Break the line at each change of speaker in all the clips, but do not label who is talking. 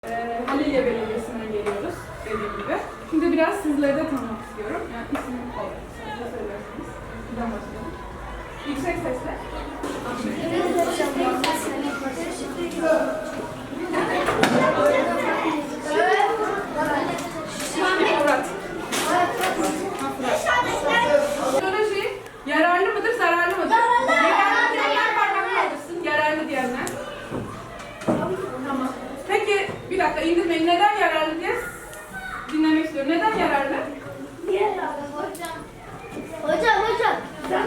Halilye Belediyesi'nden geliyoruz dediğim gibi. Şimdi biraz sizleri de tanımak istiyorum. Yani isim olarak söylerseniz. Buradan başlayalım. Yüksek sesle. Murat. Teknoloji yararlı mıdır, zararlı mıdır? Yararlı diyenler parmak kaldırsın. Yararlı diyenler. Tamam. Peki bir dakika indirmeyin. Neden yararlı diye dinlemek istiyorum. Neden yararlı?
Niye yararlı hocam? Hocam. Ben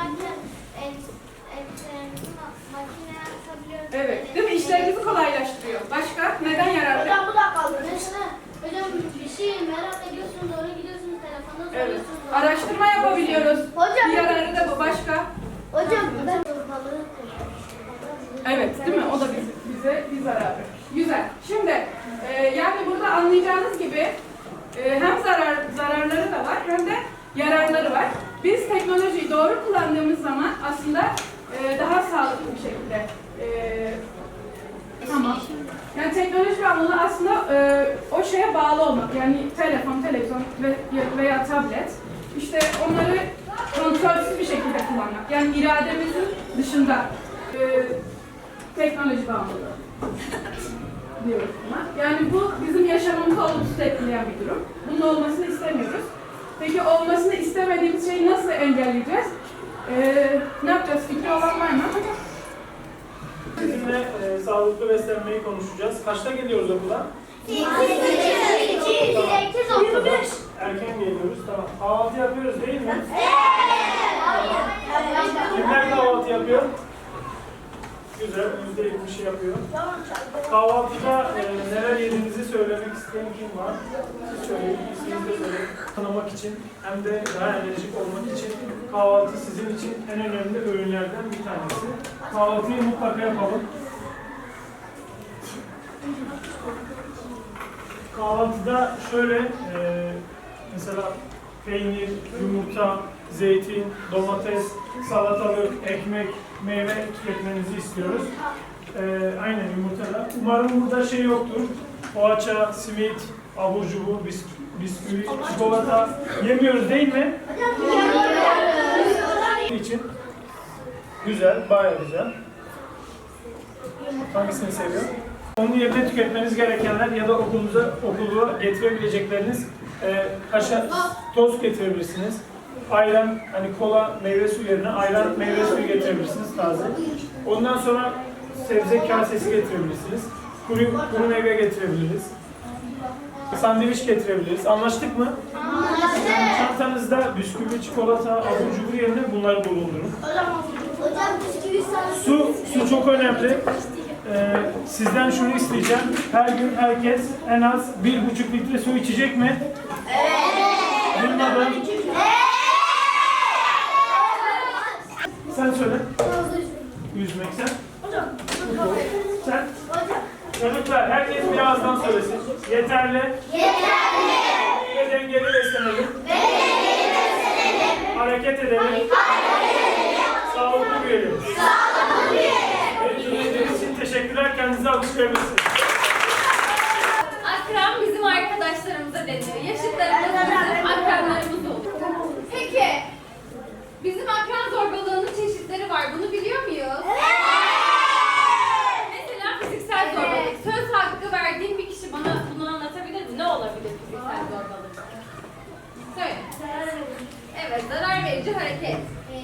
makine atabiliyorum.
Evet. Değil mi? İşlerinizi kolaylaştırıyor. Başka? Neden yararlı?
Hocam bu da kaldı. Hocam bir şey merak ediyorsunuz, oraya gidiyorsunuz, telefonda
Evet.
soruyorsunuz.
Araştırma yapabiliyoruz.
Hocam.
Bir yararı da bu. Başka?
Hocam ben
Evet, değil mi? O da bize bir zararı. Güzel. Şimdi yani burada anlayacağınız gibi hem zararları da var hem de yararları var. Biz teknolojiyi doğru kullandığımız zaman aslında daha sağlıklı bir şekilde tamam. Yani teknoloji bağımlılığı aslında o şeye bağlı olmak. Yani telefon, televizyon veya tablet. İşte onları kontrolsüz bir şekilde kullanmak. Yani irademizin dışında teknoloji bağımlılığı diyoruz buna. Yani bu bizim yaşamımızı olumsuz etkileyen bir durum. Bunun olmasını istemiyoruz. Peki olmasını istemediğimiz şeyi nasıl engelleyeceğiz? Ne yapacağız? Fikri olan var mı?
Sizinle sağlıklı beslenmeyi konuşacağız. Kaçta geliyoruz okula?
8
Erken geliyoruz. Tamam. Kahvaltı yapıyoruz değil mi? Kimler kahvaltı yapıyor? Güzel. %70'i yapıyor. Kahvaltıda neler yediğinizi söylemek isteyen kim var? Siz söyleyin. İsminizi de söyleyin. Tanımak için hem de daha enerjik olmak için kahvaltı sizin için en önemli öğünlerden bir tanesi. Kahvaltıyı mutlaka yapalım. Kahvaltıda şöyle mesela peynir, yumurta, zeytin, domates, salatalık, ekmek, meyve tüketmenizi istiyoruz. Aynen yumurtada. Umarım burada şey yoktur. Poğaça, simit, abur cubur, bisküvi, çikolata yemiyoruz değil mi? için güzel, bayağı güzel. Hangisini seviyor? Onun yerine tüketmeniz gerekenler ya da okula getirebilecekleriniz toz getirebilirsiniz. Ayran, hani kola, meyve suyu yerine ayran, meyve suyu getirebilirsiniz taze. Ondan sonra sebze kasesi getirebilirsiniz. Kuru meyve getirebiliriz. Sandviç getirebiliriz. Anlaştık mı?
Anlaştık.
Çantanızda bisküvi, çikolata, abur cubur yerine bunları bulundurun.
Hocam bisküvi
Su çok önemli. Sizden şunu isteyeceğim. Her gün herkes en az 1,5 litre su içecek mi? Evet. Duymadım. Sen söyle. Yüzmek sen. Sen. Çocuklar herkes bir ağızdan söylesin. Yeterli. Ve dengeli beslenelim. Hareket edelim. Sağlıklı büyüyelim. Beni dinlediğiniz için teşekkürler. Kendinize alkışlayabilirsiniz.
Akran bizim arkadaşlarımıza deniyor. Yaşıtlarımız bizim akranlarımız olur. Peki, bizim akran zorbalığının çeşitleri var. Bunu biliyor muyuz? Mesela fiziksel zorbalık. Söz hakkı verdiğin bir kişi bana bunu anlatabilir mi? Ne olabilir fiziksel zorbalık? Söyle. Evet, zarar verici hareket.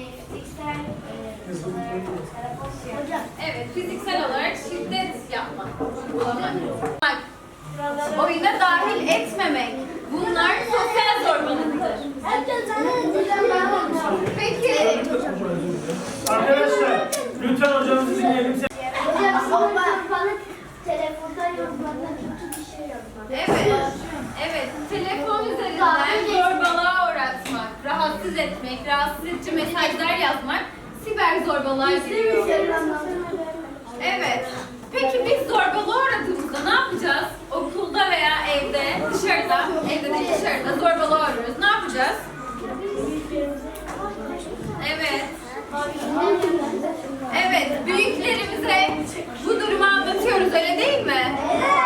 Evet, fiziksel olarak şiddet yapmak, uygulamak. Oyuna dahil etmemek. Bunlar sosyal zorbalıktır. Peki.
Arkadaşlar lütfen hocamızı dinleyelim.
Telefonda yazmaktan kötü bir şey yazmak.
Evet. Telefon üzerinden zorbalığa uğratmak, rahatsız etmek, rahatsız edici mesajlar yazmak siber zorbalığa giriyor. Evet. Peki biz zorbalığa uğradığımızda ne yapacağız? Okulda veya evde, dışarıda, evde de dışarıda zorbalığa uğruyoruz. Ne yapacağız? Evet. Evet, büyüklerimize bu durumu anlatıyoruz, öyle değil mi?